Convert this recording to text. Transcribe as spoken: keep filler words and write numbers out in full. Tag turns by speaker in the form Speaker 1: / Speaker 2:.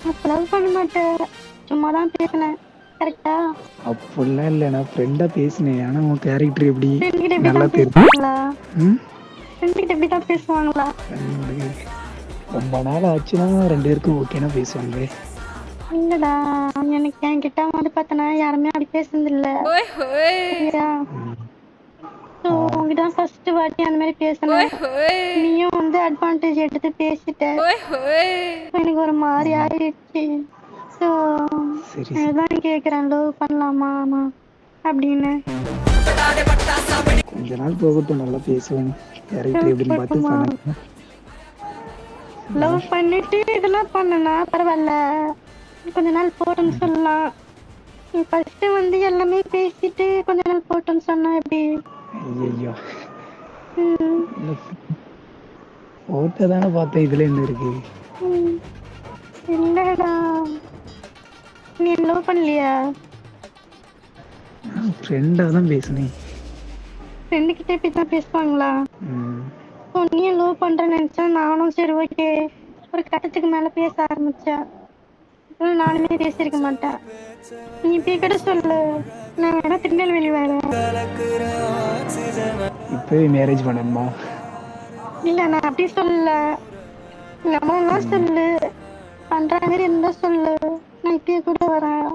Speaker 1: அப்ப லவ் பண்ண மாட்டேன். சும்மா தான் பேசினேன். கரெக்ட்டா?
Speaker 2: அப்படிலாம் இல்ல. நான் ஃப்ரெண்டா பேசினேன். ஆனா உன் கேரக்டர் எப்படி
Speaker 1: ஃப்ரெண்ட் கிட்ட இப்படி
Speaker 2: நல்லா
Speaker 1: தான்
Speaker 2: தெரியும்.
Speaker 1: பேசுவாங்களா?
Speaker 2: ம்.
Speaker 1: ஃப்ரெண்ட் கிட்ட இப்படி தான் பேசுவாங்களா?
Speaker 2: ஃப்ரெண்டு ரொம்ப நாள் ஆச்சுன்னா ரெண்டு பேருக்கும் ஓகேனா பேசுவாங்க.
Speaker 1: இல்லடா, எனக்கு என்கிட்ட வந்து பார்த்தனா யாருமே அப்படி பேசுனதில்ல. சரியா?
Speaker 2: ம்.
Speaker 1: ஸோ
Speaker 2: ஆ.
Speaker 1: உன்கிட்ட தான் ஃபர்ஸ்ட் வாட்டி அந்த மாரி பேசுனேன். நீயும் வந்து அட்வான்டேஜ் எடுத்து பேசிட்ட. எனக்கு ஒரு மாரி
Speaker 2: ம்.
Speaker 1: ஆயிடுச்சு. ஸோ
Speaker 2: சரி, சரி.
Speaker 1: அதுதான் கேட்குறேன் லவ் பண்ணலாமா நான் அப்படின்னு.
Speaker 2: கொஞ்ச நாள் போகட்டும் நல்லா பேசுவோம். கேரக்டர்
Speaker 1: லவ்
Speaker 2: எப்படின்னு பார்த்து
Speaker 1: பண்ணுமா?
Speaker 2: பண்ணலாம்.
Speaker 1: லவ் பண்ணிட்டு இதெல்லாம் பண்ணனா பரவாயில்ல. கொஞ்ச நாள் போட்டுன்னு
Speaker 2: ம்.
Speaker 1: சொல்லலாம். நீ ஃபர்ஸ்ட் வந்து எல்லாமே பேசிட்டு கொஞ்ச நாள் போட்டுன்னு சொன்னா எப்படி?
Speaker 2: ஐயய்யோ!
Speaker 1: ம்.
Speaker 2: ஃபோட்டோ தானே பார்த்தேன். இதுல என்ன இருக்கு?
Speaker 1: ம். இல்லடா. நீ லவ் பண்ணலையா?
Speaker 2: நான் ஃப்ரெண்டா தான் பேசினேன்.
Speaker 1: ஃப்ரெண்டு கிட்ட இப்படி தான் பேசுவாங்களா?
Speaker 2: ம்.
Speaker 1: ஸோ நீயும் லவ் பண்றேன்னு நினைச்சா நானும் சரி ஓகே. ஒரு கட்டத்துக்கு மேல பேச ஆரம்பிச்சேன். அப்புறம் நானுமே பேசியிருக்க மாட்டேன். நீ இப்படி கூட சொல்லு. நான் வேணா திருநெல்வேலி வரேன்.
Speaker 2: இப்பவே மேரேஜ் பண்ணணுமா?
Speaker 1: இல்ல நான் அப்படி சொல்லல. எங்க அம்மாலாம்
Speaker 2: ம்.
Speaker 1: சொல்லு. பண்ற மாதிரி இருந்தா சொல்லு. நான் இப்பயே கூட வரேன்.